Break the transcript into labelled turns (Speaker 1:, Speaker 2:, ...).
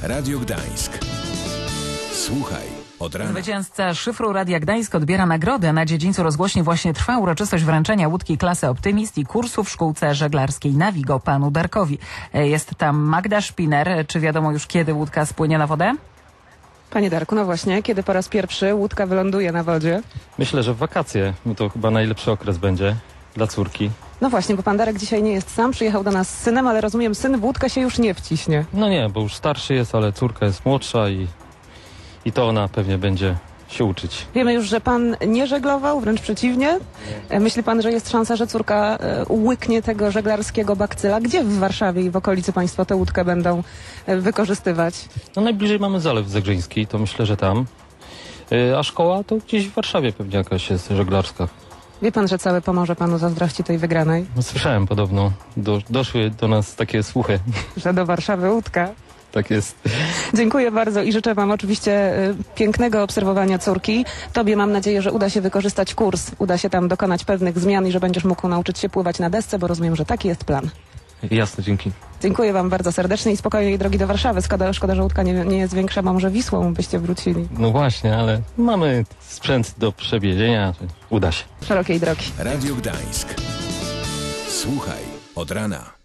Speaker 1: Radio Gdańsk. Słuchaj od rana.
Speaker 2: Zwycięzca szyfru Radia Gdańsk odbiera nagrodę. Na dziedzińcu rozgłośni właśnie trwa uroczystość wręczenia łódki klasy Optymist i kursu w szkółce żeglarskiej Navigo panu Darkowi. Jest tam Magda Szpiner. Czy wiadomo już, kiedy łódka spłynie na wodę?
Speaker 3: Panie Darku, no właśnie, kiedy po raz pierwszy łódka wyląduje na wodzie?
Speaker 4: Myślę, że w wakacje, bo to chyba najlepszy okres będzie dla córki.
Speaker 3: No właśnie, bo pan Darek dzisiaj nie jest sam, przyjechał do nas z synem, ale rozumiem, syn w łódkę się już nie wciśnie.
Speaker 4: No nie, bo już starszy jest, ale córka jest młodsza i to ona pewnie będzie się uczyć.
Speaker 3: Wiemy już, że pan nie żeglował, wręcz przeciwnie. Myśli pan, że jest szansa, że córka łyknie tego żeglarskiego bakcyla? Gdzie w Warszawie i w okolicy państwo tę łódkę będą wykorzystywać?
Speaker 4: No najbliżej mamy Zalew Zegrzyński, to myślę, że tam. A szkoła to gdzieś w Warszawie pewnie jakaś jest żeglarska.
Speaker 3: Wie pan, że całe Pomorze panu zazdrości tej wygranej?
Speaker 4: No, słyszałem podobno, doszły do nas takie słuchy.
Speaker 3: Że do Warszawy łódka.
Speaker 4: Tak jest.
Speaker 3: Dziękuję bardzo i życzę wam oczywiście pięknego obserwowania córki. Tobie mam nadzieję, że uda się wykorzystać kurs, uda się tam dokonać pewnych zmian i że będziesz mógł nauczyć się pływać na desce, bo rozumiem, że taki jest plan.
Speaker 4: Jasne, dzięki.
Speaker 3: Dziękuję wam bardzo serdecznie i spokojnej drogi do Warszawy. Szkoda, że łódka nie jest większa, bo może Wisłą byście wrócili.
Speaker 4: No właśnie, ale mamy sprzęt do przewiezienia, uda się.
Speaker 3: Szerokiej drogi.
Speaker 1: Radio Gdańsk. Słuchaj od rana.